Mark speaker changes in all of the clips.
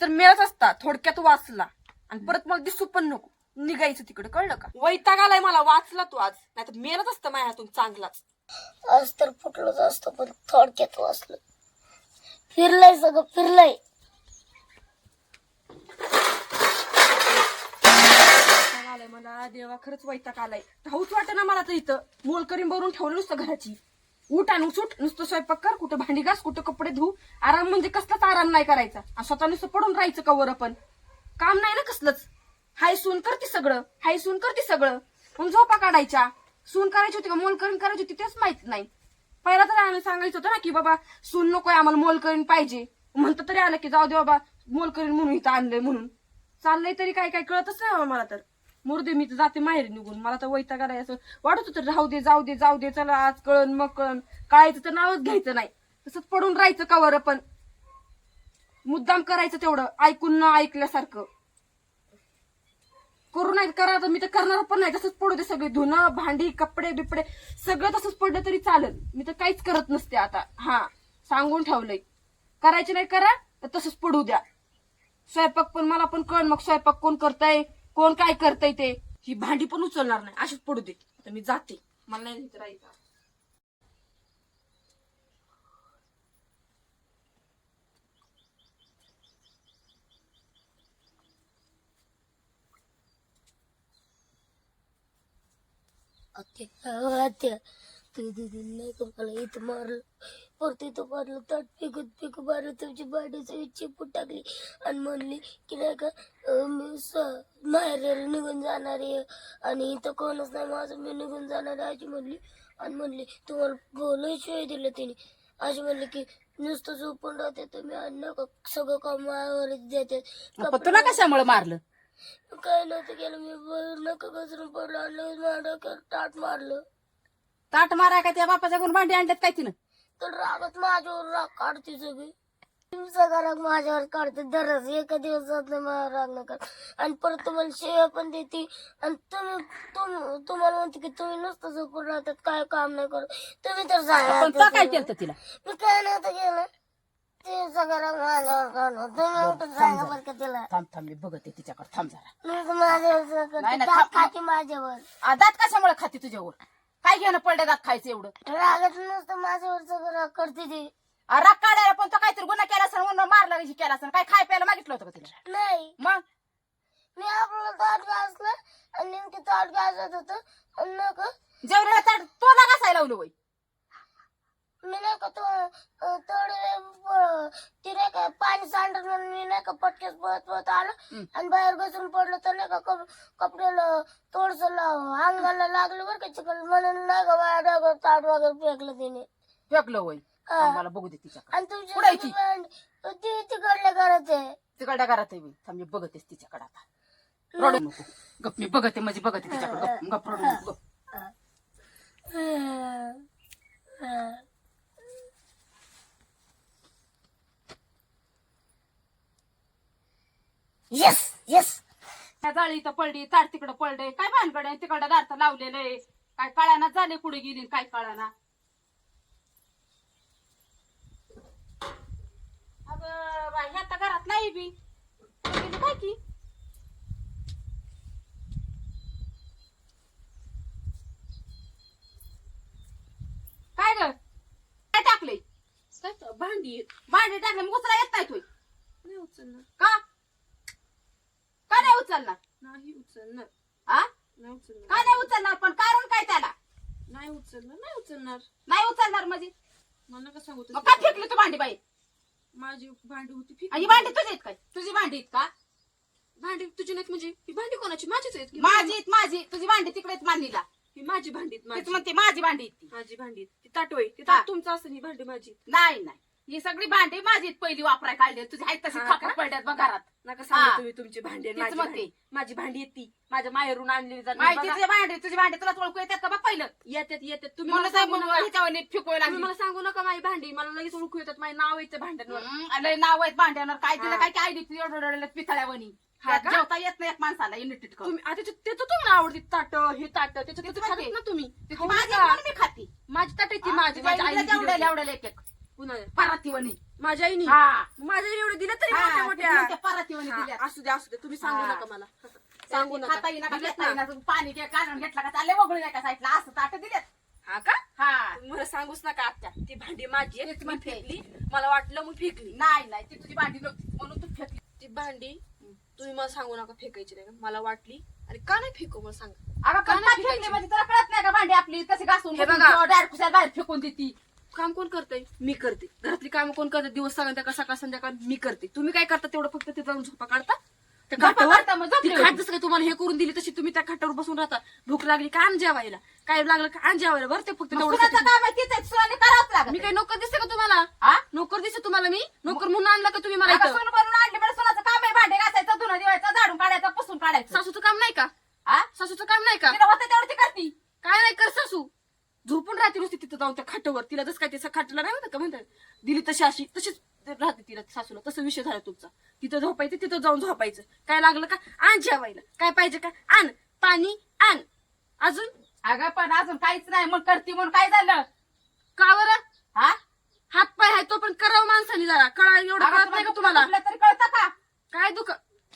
Speaker 1: मेळच असता, थोडक्यात वाचला आणि परत मला दिसू पण नको, निघायचं तिकडे, कळलं का? वैताग आलाय मला, वाचला तू आज, नाही तर मेलच असतं माझ्या हातून चांगलाच.
Speaker 2: आज तर फुटलंच असतं पण थोडक्यात वाचलं. फिरलंय सगळं फिरलंय.
Speaker 1: आलाय मला देवा, खरंच वैताग आलाय. राहूच वाटत ना मला तर इथं. मोलकरीन भरून ठेवलं नुसतं घराची. उठ आणि सुट, नुसतं स्वयंपाक कर, कुठं भांडी घास, कुठं कपडे धु. आराम म्हणजे कसलाच आराम नाही करायचा. आणि स्वतः नुसतं पडून राहायचं कवर, पण काम नाही ना कसलंच. हाय सून करते सगळं, हाय सून करते सगळं, मग झोपा काढायच्या. सून करायची होती का मोलकरीन करायची होती तेच माहित नाही. पहिला तरी आम्ही सांगायचं होतं ना की बाबा सून नकोय आम्हाला, मोलकरीन पाहिजे. म्हणतं तरी आलं की जाऊ दे बाबा, मोलकरीन म्हणून इथं आणलंय म्हणून. चाललंय तरी काय काय कळतच नाही मला तर. मुर्दे मी तर जाते माहेरी निघून, मला तर वैताग आलाय. असं वाटत होतं राहू दे जाऊ दे जाऊ दे, चला आज कळण मग कळण. कळायचं तर नावच घ्यायचं नाही, तसंच पडून राहायचं कवर. पण मुद्दाम करायचं तेवढं, ऐकून न ऐकल्यासारखं करू नाही. करा तर मी तर करणार पण नाही, तसंच पडू दे सगळे. धुणं भांडी कपडे बिपडे सगळं तसंच पडलं तरी चालेल, मी तर काहीच करत नसते आता. हा सांगून ठेवलंय, करायचे नाही करा तर तसंच पडू द्या. स्वयंपाक पण मला पण कळ, मग स्वयंपाक कोण करताय कोण काय करताय ते. ही भांडी पण उचलणार नाही, अशीच पडू दे. आता मी जाते, मला नाही इथं राहायचं.
Speaker 2: आत्या तू दिदी नाही का मला इथं मारलं, परत इथं मारलं, ताट पिकू मारलं, तुमची भांडीची चिपूट टाकली आणि म्हणली की नाही का मी माहेर निघून जाणार आहे आणि इथं कोणच नाही माझं, मी निघून जाणार आहे अशी म्हणली. आणि म्हणली तुम्हाला बोलायशिवाय दिलं तिने. अशी म्हणली की नुसतं झोपून राहते तुम्ही आणि नका सगळं काम मायावर देते.
Speaker 3: तुला कशामुळे मारलं?
Speaker 2: काय नव्हतं केलं मी, नका घसरून पडलं आणि माझ्या ताट मारलं.
Speaker 3: ताट मारा काय त्या बापाच्या गुण भांडी आणल्यात काय तिनं?
Speaker 2: तर रागात माझ्यावर राग काढते सगळी. सगळा राग माझ्यावर काढते दरच, एका दिवसात मला राग नका. आणि परत तुम्हाला शेवा पण देते आणि तुम्हाला म्हणते की तुम्ही नुसतं झोपून राहतात, काय काम नाही करत. तुम्ही तर
Speaker 3: पण तो काय केलं तिला?
Speaker 2: मी काय नव्हतं केलं, ते सगळं राग माझ्यावर काढलं. तुम्ही उठून सांगा बरं का तिला.
Speaker 3: थांब मी बघते तिच्याकडे, थांब जरा.
Speaker 2: माझ्यावर खाते माझ्यावर.
Speaker 3: दात कशामुळे खाते तुझ्यावर? काय घेणं पडलं दात खायचं एवढं?
Speaker 2: रागात नुसतं माझ्यावर सगळं राग करते ती.
Speaker 3: राग काढायला पण तो काहीतरी गुन्हा केला असेल म्हणून मारला केला असेल. काय खाय प्यायला मागितलं होतं का तिला?
Speaker 2: नाही,
Speaker 3: मग
Speaker 2: मी आपलं ताट घासलं आणि नेमके ताट घासत होतं आणि नका
Speaker 3: जेवढ्या ताट तोला घासायला लावलं वय.
Speaker 2: मी नाही का ती नाही का पाणी सांडत म्हणून मी नाही का पटकेच पळत आलं आणि बाहेर घसरून पडलं तर नाही का कपड्याला थोडस अंगाला लागलं बरं का चिकन, म्हणून नाही का माझ्या ताट वगैरे फेकलं तिने.
Speaker 3: फेकलं वय? मला बघू दे तिच्याकडे.
Speaker 2: आणि तुमची ती तिकडल्या घरात आहे.
Speaker 3: तिकडल्या घरात आहे मी. थांब मी बघतेस तिच्याकडे आता. रडू नको गप, मी बघते म्हणजे बघते तिच्याकडे. गप रडू नको गप.
Speaker 2: Yes yes.
Speaker 3: त्या जाळी इथं पडली, ताट तिकडं पडलंय, काय भानगड आहे? तिकडं दार लावलेलं आहे, काय कळाना झाले कुठे गेली काय कळाना. अगं बाई, ह्या आता घरात नाही बी गेली काय की. काय ग काय टाकले?
Speaker 1: भांडी
Speaker 3: टाकले मग उचला येत नाही तू?
Speaker 1: नाही उचलणार,
Speaker 3: का का नाही उचलणार?
Speaker 1: नाही उचलणार,
Speaker 3: आ
Speaker 1: नाही उचलणार,
Speaker 3: का नाही उचलणार? पण कारण काय त्याला?
Speaker 1: नाही उचलणार, नाही उचलणार.
Speaker 3: नाही उचलणार म्हणजे
Speaker 1: मला नका सांगू
Speaker 3: मग काय फेकली तू भांडी बाई?
Speaker 1: माझी भांडी होती
Speaker 3: ही भांडी तुझी आहेत काय? तुझी भांडी आहेत का?
Speaker 1: भांडी तुझी नाहीत म्हणजे ही भांडी कोणाची? माझीच आहेत की.
Speaker 3: माझी तुझी भांडी तिकडेच मांडलीला.
Speaker 1: ही माझी भांडी आहेत,
Speaker 3: तीच
Speaker 1: माझी
Speaker 3: म्हणते माझी भांडी आहेत ती.
Speaker 1: माझी भांडी आहेत. ती ताटोय ती
Speaker 3: हा.
Speaker 1: ताट तुमचं असेल, ही भांडी माझी.
Speaker 3: नाही ही सगळी भांडी माझी आहेत, पहिली वापराय काढली. तुझी आहेत तशी
Speaker 1: हा
Speaker 3: खापट
Speaker 1: का?
Speaker 3: पडल्यात मग घरात.
Speaker 1: नका सांगू
Speaker 3: हा.
Speaker 1: तुम्ही तुमची भांडी आणि
Speaker 3: तीच
Speaker 1: माझी
Speaker 3: म्हणते.
Speaker 1: भांडी. माझी भांडी येते ती माझ्या माहेरून आणलेली जाते.
Speaker 3: माहिती
Speaker 1: बघा,
Speaker 3: तुझी भांडी तुला ओळखू येतात का बघ पहिलं?
Speaker 1: येतात तुम्ही मला
Speaker 3: म्हणून
Speaker 1: सांगू नका.
Speaker 3: ह्याच्यावर फिकवायला
Speaker 1: तुम्ही मला सांगू नका माझी भांडी, मला लगेच ओळखू येतात. माझे नाव येतं भांड्यांवर.
Speaker 3: लय नाव आहेत भांड्यावर. काय तिला
Speaker 1: हा.
Speaker 3: काय काय एवढं पितळ्यावणी
Speaker 1: हा का?
Speaker 3: जेवता येत नाही एक माणसाला युनिट
Speaker 1: तुम्ही आता ते तर तुम्हाला आवडते ताट, हे ताट त्याच्यात
Speaker 3: तेच
Speaker 1: तुम्ही
Speaker 3: म्हणते.
Speaker 1: खातात ना तुम्ही. खाऊ
Speaker 3: माझी
Speaker 1: नका.
Speaker 3: म्हणून मी खाती.
Speaker 1: माझी ताट आहे ती, माझी माझ्या आईने दिली होती.
Speaker 3: एवढं एक एक
Speaker 1: कुणाला
Speaker 3: परातीवणी.
Speaker 1: माझ्या आईनी
Speaker 3: हा
Speaker 1: माझ्या आईने एवढे दिले तरी
Speaker 3: हा,
Speaker 1: मोठ्या मोठ्या
Speaker 3: त्या परातीवणी दिल्या.
Speaker 1: हा, असू द्या तुम्ही सांगू
Speaker 3: हा.
Speaker 1: नका मला सांगू नका
Speaker 3: खाता येईना का,
Speaker 1: दिलेत
Speaker 3: घेता
Speaker 1: ना.
Speaker 3: येईना, तुम्ही पाणी घ्या काढून घेतला का चालले वगळून एका साईडला असं ताट दिलेत.
Speaker 1: हा का
Speaker 3: हा
Speaker 1: तुम्ही मला सांगूच नका आत्या ती भांडी माझी आहेत,
Speaker 3: तेच
Speaker 1: मी
Speaker 3: म्हणते.
Speaker 1: फेकली मला वाटलं मग फेकली
Speaker 3: नाही नाही ती तुझी भांडी नव्हती म्हणून तू फेकली.
Speaker 1: ती भांडी तुम्ही मला सांगू नका फेकायची नाही का? मला वाटली आणि का नाही फेकू मला सांगा
Speaker 3: अगं
Speaker 1: का
Speaker 3: पण
Speaker 1: नाही
Speaker 3: फेकली
Speaker 1: फेकायची?
Speaker 3: म्हणजे तुला कळत नाही का भांडी आपली कशी घासून
Speaker 1: हे बघा.
Speaker 3: डायरेक्ट बाहेर फेकून देती.
Speaker 1: काम कोण करतंय मी करते घरातली काम कोण करते दिवस संध्याकाळ सकाळ संध्याकाळ मी करते तुम्ही काय करता तेवढं फक्त तिथं जाऊन झोपा काढता त्या
Speaker 3: झोपा
Speaker 1: खाटावर
Speaker 3: काढता, मग झोपली
Speaker 1: ती
Speaker 3: होती.
Speaker 1: खाट जसं काय तुम्हाला हे करून दिली तशी तुम्ही त्या खाटावर बसून राहता भूक लागली का आण जेवायला काय लागलं का आण जेवायला बरं ते फक्त
Speaker 3: मग
Speaker 1: तेवढं
Speaker 3: सुनाचं काम आहे तिचं सुनाने करावंच लागत.
Speaker 1: मी काय नोकर दिसते का तुम्हाला
Speaker 3: हा?
Speaker 1: नोकर दिसते तुम्हाला मी नोकर म्हणून आणला का तुम्ही मला
Speaker 3: अगं
Speaker 1: इथं
Speaker 3: सून बनवून आणली म्हणजे सुनाचं काम आहे भांडे घासायचं धुणं दिवायचं झाडून काढायचं पुसून काढायचं.
Speaker 1: सासूचं काम नाही का
Speaker 3: हा?
Speaker 1: सासूचं काम नाही का
Speaker 3: तिला होतं तेवढं ती करती.
Speaker 1: काय नाही कर सासू झोपून राहते नुसती तिथं जाऊन त्या खाटावर तिला जसं काय तिचं खाटला नाही म्हणतात का म्हणतात दिली तशी अशी तशीच राहते तिला सासूला तसं विषय झाला तुमचा तिथं झोपायचं तिथं जाऊन झोपायचं काय लागलं का आण जेवायला काय पाहिजे का आण पाणी आण अजून
Speaker 3: अगं पण अजून काहीच नाही मग करती म्हणून काय झालं.
Speaker 1: का बरं
Speaker 3: हा
Speaker 1: हात पाय आहे तो पण करावं माणसाने जरा कळा एवढं
Speaker 3: अगं
Speaker 1: कळत नाही का
Speaker 3: तुम्हाला
Speaker 1: तुम्हाला
Speaker 3: दुखलं तरी कळतं का.
Speaker 1: काय दुख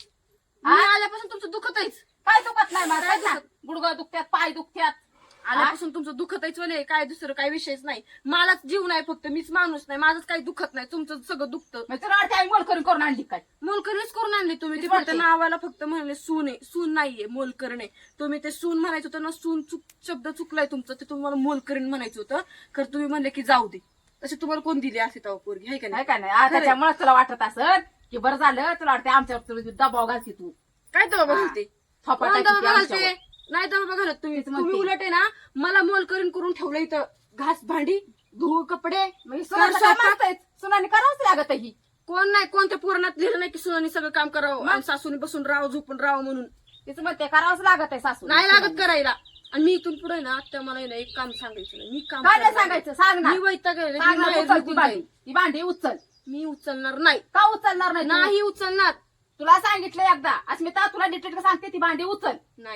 Speaker 1: मी आल्यापासून तुमचं दुखतच
Speaker 3: काय दुखत नाही मला
Speaker 1: काय
Speaker 3: सांग ना. गुडघा दुखत्यात पाय दुखत्यात.
Speaker 1: आल्यापासून तुमचं दुखतच वले काय दुसरं काय विषयच नाही मलाच जीव नाही फक्त मीच माणूस नाही माझंच काही दुखत नाही तुमचं सगळं दुखतं
Speaker 3: मग तुला वाटते आई मोलकरी करून आणली काय.
Speaker 1: मोलकरणीच करून आणली तुम्ही ते
Speaker 3: तेच
Speaker 1: फक्त
Speaker 3: म्हणते.
Speaker 1: नावाला फक्त म्हणले सून आहे सून नाहीये मोलकरण आहे तुम्ही ते सून म्हणायचं होतं ना सून शब्द चुकलाय तुमचं ते तुम्हाला मोलकरीण म्हणायचं होतं तर तुम्ही म्हणले की जाऊ दे तसे तुम्हाला कोण दिली असे तेव्हा पोरगी आहे का
Speaker 3: नाही
Speaker 1: नाही
Speaker 3: का नाही त्याच्यामुळे तुला वाटत असत की बरं झालं तुला वाटते आमच्यावर तुला दबाव घालते तू.
Speaker 1: काय दबाव घालते
Speaker 3: थोपा
Speaker 1: कोण
Speaker 3: टाकीते
Speaker 1: दबाव घालते
Speaker 3: आमच्यावर.
Speaker 1: नाही दबाव घालत तुम्ही
Speaker 3: तेच म्हणते.
Speaker 1: तुम्ही उलट आहे ना मला मोलकरीण करून ठेवलं इथं घास भांडी धुळ कपडे
Speaker 3: मग
Speaker 1: कर
Speaker 3: सुनाचं
Speaker 1: स्वयंपाक.
Speaker 3: काम असतंय. सुनाने करावंच लागत ही.
Speaker 1: कोण नाही कोणत्या पुराणात लिहिलं नाही की सुनानी सगळं काम करावं आणि सासूने बसून राहावं झोपून राहावं म्हणून
Speaker 3: तिचं म्हणते करावंच लागत आहे सासू.
Speaker 1: नाही लागत करायला आणि मी इथून पुढे ना त्या मला आहे ना एक काम सांगायचं नाही मी काम
Speaker 3: काय नाही
Speaker 1: करणार
Speaker 3: सांगायचं सांग ना.
Speaker 1: मी वैतागले
Speaker 3: सांग ना,
Speaker 1: बाहेर
Speaker 3: उचल ती
Speaker 1: निघून
Speaker 3: भांडी.
Speaker 1: जाईन.
Speaker 3: ती भांडी उचल.
Speaker 1: मी उचलणार नाही
Speaker 3: का उचलणार नाही तू?
Speaker 1: नाही उचलणार
Speaker 3: तुला सांगितलं एकदा अस्मिता तुला डिटेल सांगते ती भांडी उचल.
Speaker 1: नाही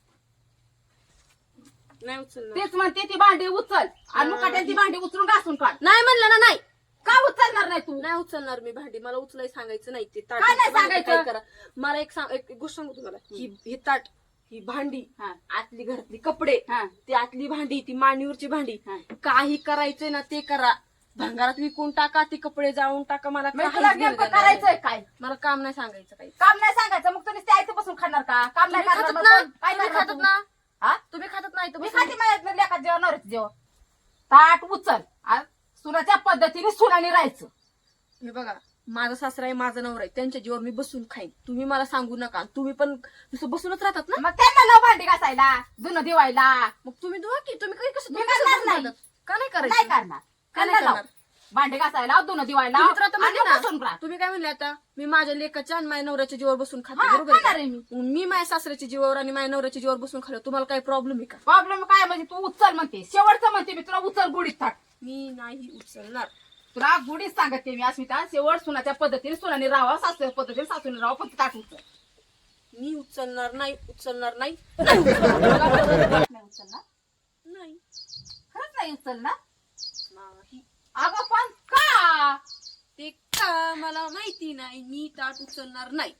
Speaker 1: नाही उचलणार
Speaker 3: तेच म्हणते ती भांडी उचल आणि मुकाट्याने ती भांडी उचलून घासून काढ.
Speaker 1: नाही म्हणलं ना नाही
Speaker 3: का उचलणार नाही तू.
Speaker 1: नाही उचलणार मी भांडी मला उचलाय सांगायचं नाही ते ताट
Speaker 3: काय नाही
Speaker 1: भांडी
Speaker 3: सांगायचं?
Speaker 1: काय करा मला एक गोष्ट सांगू तुम्हाला ही ताट ही भांडी
Speaker 3: हा.
Speaker 1: आतली घरातली कपडे
Speaker 3: हा.
Speaker 1: ती आतली भांडी ती मांडीवरची भांडी
Speaker 3: हा.
Speaker 1: काही करायचंय ना ते करा भंगारात विकून टाका ती कपडे जाळून टाका मला
Speaker 3: मग
Speaker 1: काहीच
Speaker 3: तुला
Speaker 1: घेणं
Speaker 3: नेमकं
Speaker 1: देणं नाही.
Speaker 3: करायचंय काय.
Speaker 1: मला काम नाही सांगायचं काही
Speaker 3: काम नाही सांगायचं मग तुम्ही आयचं बसून खाणार का. काम नाही
Speaker 1: तुम्ही
Speaker 3: करणार
Speaker 1: खातात
Speaker 3: मग
Speaker 1: ना
Speaker 3: कोण? काय
Speaker 1: तुम्ही
Speaker 3: करणार
Speaker 1: खातात
Speaker 3: तू?
Speaker 1: ना
Speaker 3: हा?
Speaker 1: तुम्ही खातात नाही तर
Speaker 3: मी
Speaker 1: बसून.
Speaker 3: खाते माझ्या लेखात जेवण नवऱ्याचं जेवण. ताट उचल आणि सुनाच्या पद्धतीने सुनाने राहायचं.
Speaker 1: हे बघा माझा सासरा आहे माझा नवरा आहे त्यांच्या जीवर मी बसून खाईन तुम्ही मला सांगू नका तुम्ही पण नुसतं बसूनच राहतात ना
Speaker 3: मग त्यांना लाव भांडी घासायला धुणं दिवायला.
Speaker 1: मग तुम्ही धुवा की तुम्ही काही कसं
Speaker 3: मी
Speaker 1: तुम्ही कसं
Speaker 3: करणार
Speaker 1: बसून
Speaker 3: नाही.
Speaker 1: राहतात? का नाही
Speaker 3: नाही
Speaker 1: करायचं
Speaker 3: करणार.
Speaker 1: का नाही
Speaker 3: त्यांना लाव.
Speaker 1: करणार?
Speaker 3: भांडी घासायला धुणं दिवायला
Speaker 1: तुम्ही तर आता
Speaker 3: आणि
Speaker 1: म्हणले
Speaker 3: बसून
Speaker 1: ना
Speaker 3: राहा.
Speaker 1: तुम्ही काय म्हणले आता मी माझ्या लेकाच्या आणि माझ्या नवऱ्याच्या जीवर बसून खाते
Speaker 3: हा,
Speaker 1: बरोबर आहे
Speaker 3: खाणार
Speaker 1: का?
Speaker 3: आहे मी.
Speaker 1: मी माझ्या सासऱ्याच्या जीवावर आणि माझ्या नवऱ्याच्या जीवावर बसून खाल्लं तुम्हाला काही प्रॉब्लेम आहे का
Speaker 3: प्रॉब्लेम काय म्हणजे तू उचल म्हणते शेवटचं म्हणते मी तुला उचल गुढीत थाट.
Speaker 1: मी नाही उचलणार
Speaker 3: तुला गुढीत सांगते मी अस्मिता शेवट सुनाच्या पद्धतीने सुनाने राहावं सासूच्या पद्धतीने सासूने राहावं फक्त ताट उचल.
Speaker 1: मी उचलणार नाही उचलणार नाही
Speaker 3: नाही उचलणार.
Speaker 1: नाही
Speaker 3: खरंच नाही उचलणार.
Speaker 1: नाही
Speaker 3: अगं पण का.
Speaker 1: ते का मला माहिती नाही मी ताट उचलणार नाही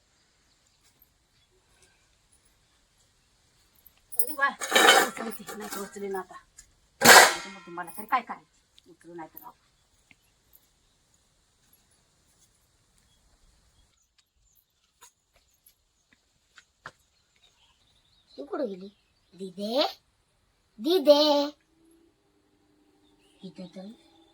Speaker 3: अरे वा उचलते नाही तर उचले ना आता. त्याच्यामध्ये मला तरी काय करायचं उचलू नाही तर राहू.
Speaker 2: तू कुठं गेली दिदे दिदे इथे तर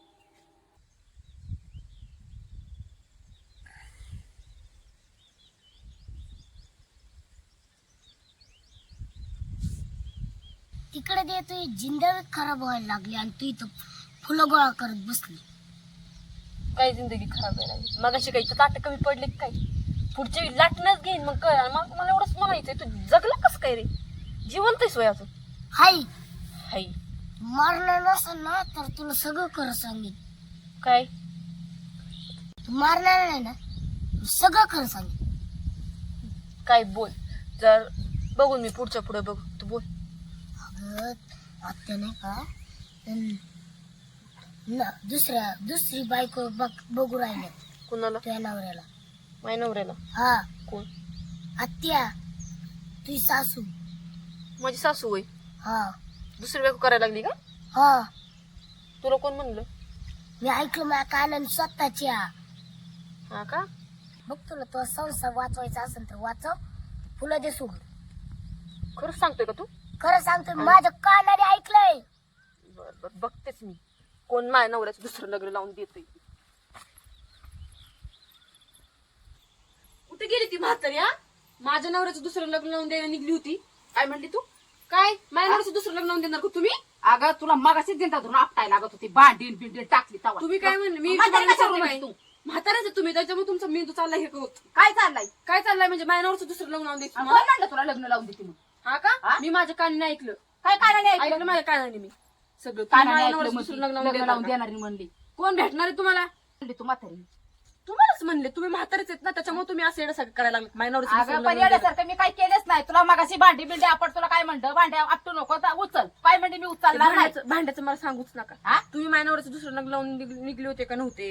Speaker 2: तिकडे दे तुझी जिंदगी खराब व्हायला लागली आणि तू इथं फुलं गोळा करत बसली.
Speaker 1: काय जिंदगी खराब आहे लागली मग अशी काही ताट कमी पडले की काय पुढच्या वेळी लाटणंच घेईन मग कळ मग मला एवढंच म्हणायचंय तू जगला कसं काय रे जिवंत आहेस वय अजून
Speaker 2: हाय
Speaker 1: हाय
Speaker 2: मारलं नसेल ना तर तुला सगळं खरं सांगेन.
Speaker 1: काय
Speaker 2: तू मारणार नाही ना सगळं खरं सांगेन.
Speaker 1: काय बोल जर बघून मी पुढच्या पुढे बघ तू बोल
Speaker 2: अगं आत्या नाही का ना दुसरी बायको बघू राहिले
Speaker 1: कोणाला?
Speaker 2: तुझ्या नवऱ्याला.
Speaker 1: माझ्या नवऱ्याला?
Speaker 2: हा
Speaker 1: कोण?
Speaker 2: आत्या तुझी सासू.
Speaker 1: माझी सासू होय?
Speaker 2: हा
Speaker 1: दुसरी बायको करायला लागली का?
Speaker 2: हा
Speaker 1: तुला कोण म्हणलं?
Speaker 2: मी ऐकलं माझ्या कानाने स्वतःच्या.
Speaker 1: हा का?
Speaker 2: बघ तुला तो संसार वाचवायचा असेल तर वाचव, फुलं दे सोडून.
Speaker 1: खरंच सांगतोय का तू?
Speaker 2: खरं सांगतो माझ्या कानाने ऐकलंय.
Speaker 1: बर बर बघतेच मी कोण माझ्या नवऱ्याचं दुसरं लग्न लावून देतोय. कुठे गेली ती म्हातारी? हा, माझ्या नवऱ्याचं दुसरं लग्न लावून द्यायला निघली होती. काय म्हणली तू? काय माझ्या नवऱ्याचं दुसरं लग्न लावून देणार का तुम्ही?
Speaker 3: अगं तुला मगाशीच दिंडा धरून आपटायला लागत होती, भांडीन बिंडीन टाकली तवा.
Speaker 1: तुम्ही काय म्हणले? मी
Speaker 3: म्हातारी
Speaker 1: तुम्हाला
Speaker 3: कशाला
Speaker 1: विचारलं
Speaker 3: म्हणली
Speaker 1: नाही.
Speaker 3: तू?
Speaker 1: म्हाताऱ्याचं तुम्ही, त्याच्यामुळे तुमचा मेंदू चाललाय हे होत.
Speaker 3: काय चाललंय?
Speaker 1: काय चाललंय म्हणजे माझ्या नवऱ्याचं दुसरं लग्न लावून द्यायचं
Speaker 3: कोण
Speaker 1: तुम्हाला?
Speaker 3: म्हणलं तुला लग्न लावून देते म्हणून?
Speaker 1: हा का?
Speaker 3: हा?
Speaker 1: मी माझ्या कानाने ऐकलं.
Speaker 3: काय कानाने
Speaker 1: ऐकलं
Speaker 3: ऐकलं?
Speaker 1: माझ्या कानाने मी सगळं. तुम्ही
Speaker 3: कानाने
Speaker 1: माझ्या
Speaker 3: ऐकलं
Speaker 1: नवऱ्याचं
Speaker 3: म्हणली,
Speaker 1: दुसरं लग्न
Speaker 3: लग्न लावून
Speaker 1: लावून देणार
Speaker 3: देणारी म्हणली.
Speaker 1: का? कोण भेटणार आहे तुम्हाला?
Speaker 3: म्हणली तू म्हातारी.
Speaker 1: तुम्हालाच म्हणले, तुम्ही म्हातारेच आहेत ना, त्याच्यामुळे तुम्ही असं येण्यासारखं करायला लागले. माझ्या नवऱ्याचं दुसरं
Speaker 3: अगं
Speaker 1: लग्न
Speaker 3: पण
Speaker 1: लावून देणार.
Speaker 3: येण्यासारखं मी काय केलंच नाही. तुला मगाशी भांडी बिंडी आपण तुला काय म्हणतं, भांड्या आपटू नको तर उचल. काय म्हणते मी
Speaker 1: ते
Speaker 3: उचलणार नाही.
Speaker 1: भांड्याचं मला सांगूच नका.
Speaker 3: हा?
Speaker 1: तुम्ही माझ्या नवऱ्याचं दुसरं लग्न लावून निघले होते का नव्हते?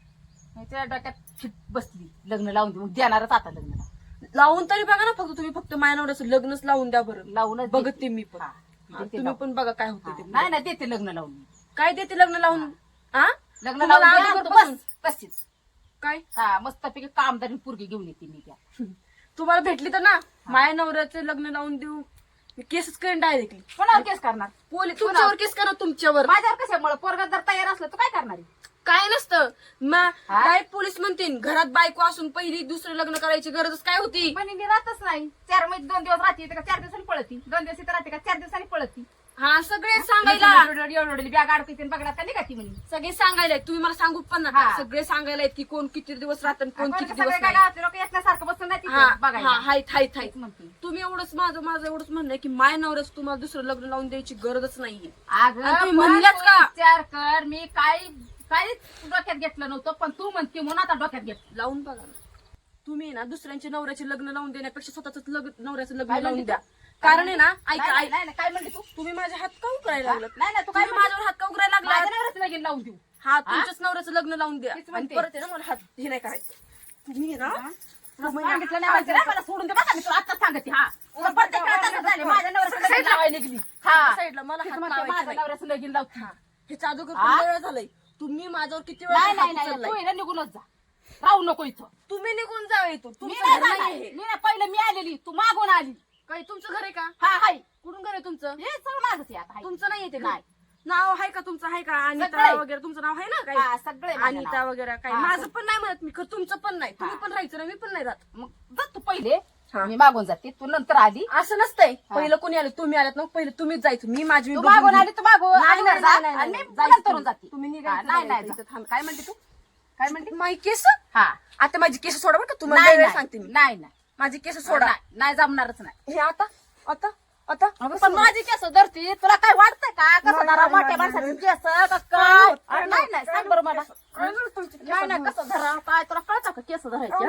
Speaker 3: त्या डोक्यात फिट बसली लग्न लावून दे, मग देणारच आता लग्न
Speaker 1: लावून तरी बघा ना, फक्त तुम्ही फक्त माझ्या नवऱ्याचं लग्नच लावून द्या बरं.
Speaker 3: लावूनच
Speaker 1: बघते मी पण.
Speaker 3: हा,
Speaker 1: हा,
Speaker 3: देते
Speaker 1: तुम्ही
Speaker 3: लावून.
Speaker 1: पण बघा काय होतं ते.
Speaker 3: नाही नाही देते लग्न लावून.
Speaker 1: काय देते लग्न लावून? हा,
Speaker 3: लग्न
Speaker 1: तुम्हाला
Speaker 3: लावून द्या,
Speaker 1: अगोदरपासून-
Speaker 3: बस तशीच.
Speaker 1: काय
Speaker 3: हा मस्तपैकी कामदारी पोरगी घेऊन येते मी त्या.
Speaker 1: तुम्हाला भेटली तर ना माझ्या नवऱ्याचं लग्न लावून देऊ, मी केसच करेन डायरेक्टली.
Speaker 3: कोणावर केस करणार?
Speaker 1: पोलीस तुमच्यावर केस करा, तुमच्यावर.
Speaker 3: माझ्यावर कशामुळे? पोरगा जर तयार असलं तर काय करणार आहे?
Speaker 1: काय नसतं
Speaker 3: हा?
Speaker 1: डायरेक्ट पोलीस म्हणतील घरात बायको असून पहिली दुसरं लग्न करायची गरजच काय होती?
Speaker 3: पण मी राहतच नाही. 4 महिने 2 दिवस राहते का 4 दिवसांनी पळती? 2 दिवस इथं राहते का 4 दिवसांनी पळती?
Speaker 1: हा, सगळे सांगायला
Speaker 3: एवढी बॅग अडकते बघणार का निघाती म्हणे.
Speaker 1: सगळे सांगायला तुम्ही मला सांगू पण नका.
Speaker 3: हा.
Speaker 1: सगळे सांगायला की कोण किती दिवस राहतं आणि कोण
Speaker 3: आपण
Speaker 1: किती
Speaker 3: सगळे
Speaker 1: दिवस
Speaker 3: काय
Speaker 1: नाही.
Speaker 3: गावातले लोक येण्यासारखं बसून नाही
Speaker 1: हा,
Speaker 3: तिथं बघायला.
Speaker 1: हा, हायत हायत हायत
Speaker 3: तेच म्हणते.
Speaker 1: तुम्ही एवढंच माझं एवढंच म्हणणं आहे की माय नवऱ्याच तुम्हाला दुसरं लग्न लावून द्यायची गरजच नाहीये.
Speaker 3: अगं
Speaker 1: आणि तुम्ही
Speaker 3: पण
Speaker 1: म्हणल्याच
Speaker 3: तू
Speaker 1: का?
Speaker 3: विचार कर, मी काही डोक्यात घेतलं नव्हतं, पण तू म्हणते म्हणून आता डोक्यात घेतलं.
Speaker 1: लावून बघा ना. तुम्ही ना दुसऱ्यांचे नवऱ्याचे लग्न लावून देण्यापेक्षा स्वतःच नवऱ्याचं लग्न
Speaker 3: काय
Speaker 1: लावून
Speaker 3: म्हणते
Speaker 1: द्या.
Speaker 3: तू?
Speaker 1: कारण आहे ना, ऐका
Speaker 3: नाही,
Speaker 1: ऐका,
Speaker 3: नाही, नाही, काय म्हणते तू?
Speaker 1: तुम्ही माझ्या हात का उकरायला लागलात?
Speaker 3: नाही नाही, तू काय
Speaker 1: तुम्ही माझ्यावर हात का उकरायला
Speaker 3: माझ्या
Speaker 1: लागला?
Speaker 3: नवऱ्याचं लगीन लावून देऊ.
Speaker 1: हा, तुमच्याच नवऱ्याचं लग्न लावून द्या.
Speaker 3: तेच
Speaker 1: आणि
Speaker 3: म्हणते.
Speaker 1: परत आहे ना मला हात हे नाही करायचं. तुम्ही आहे ना
Speaker 3: तुला सांगितलं नाही माहिती ना, मला सोडून दे बसा, मी तुला आत्ताच सांगते. हा तुला प्रत्येक वेळा तसंच झालं. माझ्या नवऱ्याचं लगीन लावायला निघली. हा
Speaker 1: साईडला मला
Speaker 3: तेच
Speaker 1: हात
Speaker 3: म्हणते,
Speaker 1: लावायचा
Speaker 3: माझ्या
Speaker 1: नाही.
Speaker 3: नवऱ्याचं लगीन लावते.
Speaker 1: हे जादूगर
Speaker 3: हा?
Speaker 1: किती वेळ झालंय? तुम्ही माझ्यावर किती वेळ
Speaker 3: नाही
Speaker 1: हात
Speaker 3: नाही नाही,
Speaker 1: उचललाय?
Speaker 3: तू हिला निघूनच जा, राहू नको इथं.
Speaker 1: तुम्ही निघून जावे इथून.
Speaker 3: मी
Speaker 1: तुमचं
Speaker 3: नाही
Speaker 1: घर
Speaker 3: जाणार.
Speaker 1: नाहीये हे.
Speaker 3: मी नाही, पहिलं मी आलेली, तू मागून आली.
Speaker 1: काही तुमचं घर आहे का?
Speaker 3: हा हाय,
Speaker 1: कुठून घर आहे तुमचं?
Speaker 3: हे सगळं माझंच आहे आता. हाय.
Speaker 1: तुमचं नाहीये ते घर?
Speaker 3: नाही.
Speaker 1: नाव आहे का तुमचं? आहे का? अनिता
Speaker 3: सगळं.
Speaker 1: वगैरे तुमचं नाव आहे ना
Speaker 3: हा,
Speaker 1: काही?
Speaker 3: सगळे माझं
Speaker 1: अनिता
Speaker 3: नाव.
Speaker 1: वगैरे काही?
Speaker 3: हा,
Speaker 1: माझं
Speaker 3: सगळं.
Speaker 1: पण नाही म्हणत मी, खरं तुमचं पण नाही. तुम्ही
Speaker 3: हा.
Speaker 1: पण राहायचं ना, मी पण नाही राहत.
Speaker 3: मग जा तू पहिले,
Speaker 1: हा.
Speaker 3: मी मागून जाते, तू नंतर आली.
Speaker 1: असं नसतंय.
Speaker 3: हा.
Speaker 1: पहिलं कोणी आलं? तुम्ही आलात ना, पहिलं तुम्हीच जायचं. मी माझी मी
Speaker 3: तू
Speaker 1: बघून
Speaker 3: मागून
Speaker 1: घेईन.
Speaker 3: आली, तू मागून
Speaker 1: नाही,
Speaker 3: अगोदर
Speaker 1: नाही,
Speaker 3: जा,
Speaker 1: नाही,
Speaker 3: आणि
Speaker 1: नाही,
Speaker 3: मी
Speaker 1: जायचं
Speaker 3: नंतरून
Speaker 1: तुम्ही.
Speaker 3: जाते.
Speaker 1: तुम्ही
Speaker 3: हा,
Speaker 1: निघायचं
Speaker 3: नाही नाही
Speaker 1: इथं
Speaker 3: जा.
Speaker 1: थांब.
Speaker 3: काय म्हणते तू? काय म्हणते?
Speaker 1: माझी केस?
Speaker 3: हा
Speaker 1: आता माझी केस सोडा बरं का, तुम्हाला
Speaker 3: नाही
Speaker 1: वेळ
Speaker 3: नाही,
Speaker 1: सांगते मी.
Speaker 3: नाही नाही
Speaker 1: माझी केस सोडा.
Speaker 3: नाही, नाही जमणारच नाही.
Speaker 1: हे आता आता आता
Speaker 3: पण माझी केस धरती, तुला काय वाटतंय का? कसं
Speaker 1: नाही,
Speaker 3: धरा
Speaker 1: नाही,
Speaker 3: मोठ्या
Speaker 1: नाही,
Speaker 3: माणसाची
Speaker 1: नाही.
Speaker 3: केस का काय?
Speaker 1: नाही,
Speaker 3: अरे नाही नाही, सांग बरं मला.
Speaker 1: काय झालं तुमच्या
Speaker 3: नाही नाही,
Speaker 1: केसांना?
Speaker 3: कसं धरा काय? तुला कळतं का केस धरायचे?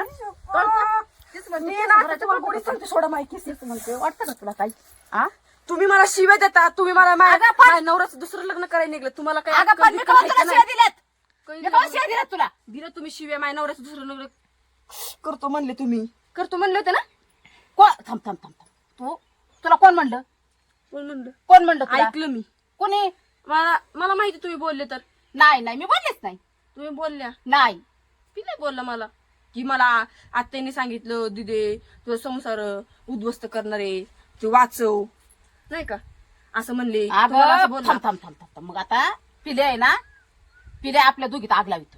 Speaker 3: तेच म्हणते,
Speaker 1: मी
Speaker 3: केस
Speaker 1: ना आता
Speaker 3: धरायचे
Speaker 1: तुम्हाला
Speaker 3: कुठं
Speaker 1: गोडीत सांगते, सोडा माझी केस.
Speaker 3: तेच म्हणते, वाटतं का तुला काही? हा?
Speaker 1: तुम्ही मला शिव्या देता. तुम्ही मला माझ्या नवऱ्याचं दुसरं लग्न करायला निघलं. तुम्हाला काय
Speaker 3: अगं
Speaker 1: अक्कल
Speaker 3: पण मी
Speaker 1: बिक्कल
Speaker 3: कवा
Speaker 1: आहे
Speaker 3: तुला
Speaker 1: का
Speaker 3: शिव्या
Speaker 1: नाही?
Speaker 3: दिल्यात?
Speaker 1: काही
Speaker 3: मी कवा
Speaker 1: दिलं
Speaker 3: शिव्या दिल्यात तुला?
Speaker 1: दिलं तुम्ही शिव्या. माझ्या नवऱ्याचं दुसरं लग्न करतो म्हणले तुम्ही. करतो म्हणले होते ना?
Speaker 3: थांब थांब थांब थांब. तुला कोण म्हणलं?
Speaker 1: कोण म्हणलं?
Speaker 3: कोण म्हणलं तुला?
Speaker 1: ऐकलं मी.
Speaker 3: कोणी?
Speaker 1: मला माहिती तुम्ही बोलले तर.
Speaker 3: नाही नाही, मी बोललेच नाही.
Speaker 1: तुम्ही बोलल्या.
Speaker 3: नाही
Speaker 1: ती नाही बोलला मला की मला आत्याने सांगितलं दिदे तुझा संसार उद्ध्वस्त करणारे ते वाचव नाही का असं म्हणले. तुम्हाला असं
Speaker 3: अगं
Speaker 1: बोलला?
Speaker 3: थांब थांब थांब थांब. मग आता पिले आहे ना, पिले आपल्या दोघीत आग लावितोय.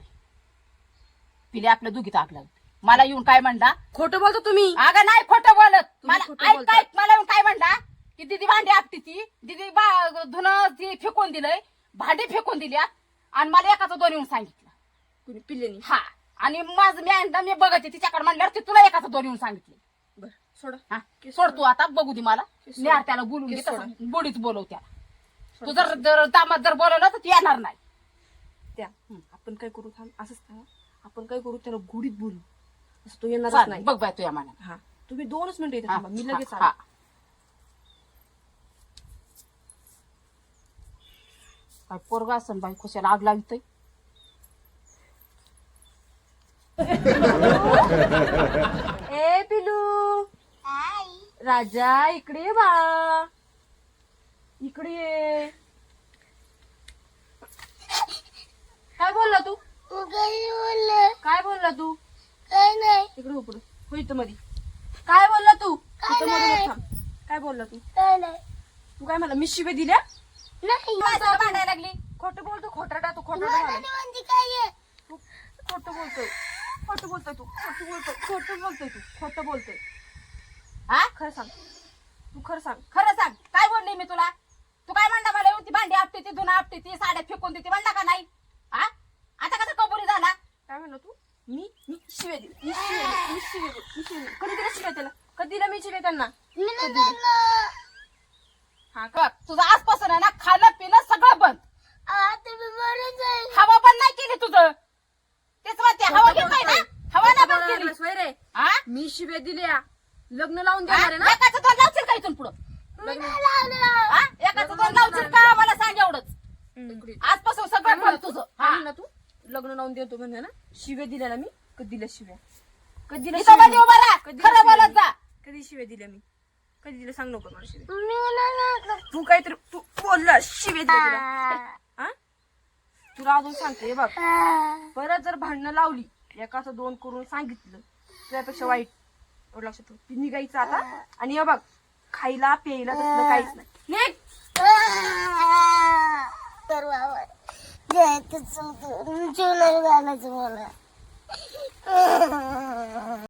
Speaker 3: पिले आपल्या दोघीत आग लावितोय. मला येऊन काय म्हणला?
Speaker 1: खोटं बोलतो तुम्ही.
Speaker 3: अगं नाही खोटं बोलत.
Speaker 1: तुम्ही
Speaker 3: मला
Speaker 1: खोटं
Speaker 3: ऐक
Speaker 1: बोलता.
Speaker 3: ऐक, मला येऊन काय म्हणला की दीदी भांडी आपटी ती दीदी धुणं ती फेकून दिलंय, भांडी फेकून दिल्या, आणि मला एकाचं दोन येऊन सांगितलं.
Speaker 1: कुणी पिल्लेनी?
Speaker 3: हा, आणि माझं मी बघते तिच्याकडे म्हणल्यावर ती तुला एकाचं दोन येऊन सांगितले.
Speaker 1: बर सोडा.
Speaker 3: हा, सोड तू आता, बघू दे मला.
Speaker 1: केस
Speaker 3: नेहार त्याला बोलून घे,
Speaker 1: केस
Speaker 3: तसं
Speaker 1: सोडा.
Speaker 3: बोडीच बोलव त्याला. तू जर दामात जर बोलवलं तर ती येणार नाही.
Speaker 1: त्या आपण काय करू? थांब असंच थांबा. आपण काय करू? त्याला गुढीत बोलू. असं तो येणारच
Speaker 3: चालेल,
Speaker 1: नाही.
Speaker 3: बघ बाय तुझ्या मनात.
Speaker 1: हा, तुम्ही 2च मिनिटं इथे
Speaker 3: हा,
Speaker 1: थांबा. मी लगेच
Speaker 3: हा,
Speaker 1: आले.
Speaker 3: काय पोरगा असन बाई कशाला आग लावितय.
Speaker 1: ए पिलू राजा इकडे ये बाळा, इकडे ये. काय बोलला तू? काय बोलला तू?
Speaker 2: काय नाही
Speaker 1: इकडे उपड हो इथं मध्ये. काय बोलला तू?
Speaker 2: काय
Speaker 1: इथं मध्ये
Speaker 2: नाही.
Speaker 1: थांब. काय बोलला तू?
Speaker 2: काय नाही
Speaker 1: तू काय मला मी शिव्या दिल्या?
Speaker 2: नाही
Speaker 3: माझ्यावर भांडायला लागली.
Speaker 1: खोटं बोलतो, खोटाटा तू,
Speaker 2: मला
Speaker 1: खोटाटा
Speaker 2: नाही म्हणते काय आहे?
Speaker 1: तू खोटं बोलतोय, खोटं बोलतोय तू, खोटं बोलतोय, खोटं बोलतोय तू, खोटं बोलतोय.
Speaker 3: हा
Speaker 1: खरं सांग, तू खरं सांग.
Speaker 3: खरं सांग काय बोलली मी तुला? तू काय म्हणता मला येऊन ती भांडी आपटी ती धुणं आपटी ती साड्या फेकून देते म्हणला का नाही? हा आता कसं कबुली झाला?
Speaker 1: काय म्हणलं तू? मी शिव्या दिली, मी शिव्या दिली, मी शिव्या दिली, मी शिव्या दिली. कधी दिला शिव्या त्याला? कधी दिला मी शिव्या त्यांना?
Speaker 2: मी नाही झालं.
Speaker 3: हा का तुझं आजपासून आहे ना खाणं पिणं सगळं बंद.
Speaker 2: आता मी मरून जाईल.
Speaker 3: हवा बंद नाही केली तुझं. तेच म्हणते हवा घेत नाही ना, हवा नाही बंद केली.
Speaker 1: सोय रे,
Speaker 3: हा
Speaker 1: मी शिव्या दिल्या. लग्न लावून
Speaker 3: हा?
Speaker 1: देणार आहे ना?
Speaker 3: एकाचं दोन लावशील का इथून पुढं?
Speaker 2: मी नाही लावलं.
Speaker 3: हा? एकाचं दोन लावशील का मला सांग एवढंच.
Speaker 1: इकडे.
Speaker 3: आजपासून सगळं बंद तुझं.
Speaker 1: काय
Speaker 3: हा.
Speaker 1: म्हणला तू? लग्न लावून देतो म्हणजे ना? शिव्या दिल्या ना मी? कधी दिल्या शिव्या? कधी दिल्या
Speaker 3: इथं मध्ये
Speaker 1: शिव्या?
Speaker 3: उभा राहा.
Speaker 1: कधी
Speaker 3: खरं
Speaker 1: शिव्या
Speaker 3: बोलत
Speaker 1: दिल्या?
Speaker 3: जा.
Speaker 1: कधी शिव्या दिल्या मी? कधी दिल्या सांग नको मला शिव्या.
Speaker 2: मी नाही लावलं.
Speaker 1: तू काहीतरी तू बोलला शिव्या दिल्या तुला. हा? तुला अजून सांगते हे बघ, परत जर भांडणं लावली एकाचं दोन करून सांगितलं त्यापेक्षा वाईट. एवढं लक्षात ठेव. ती निघायचं आता. आणि हे बघ खायला प्यायला तसलं काहीच नाही. निघ.
Speaker 2: तर बाबा जायचं जीवनाला घालायचं मला.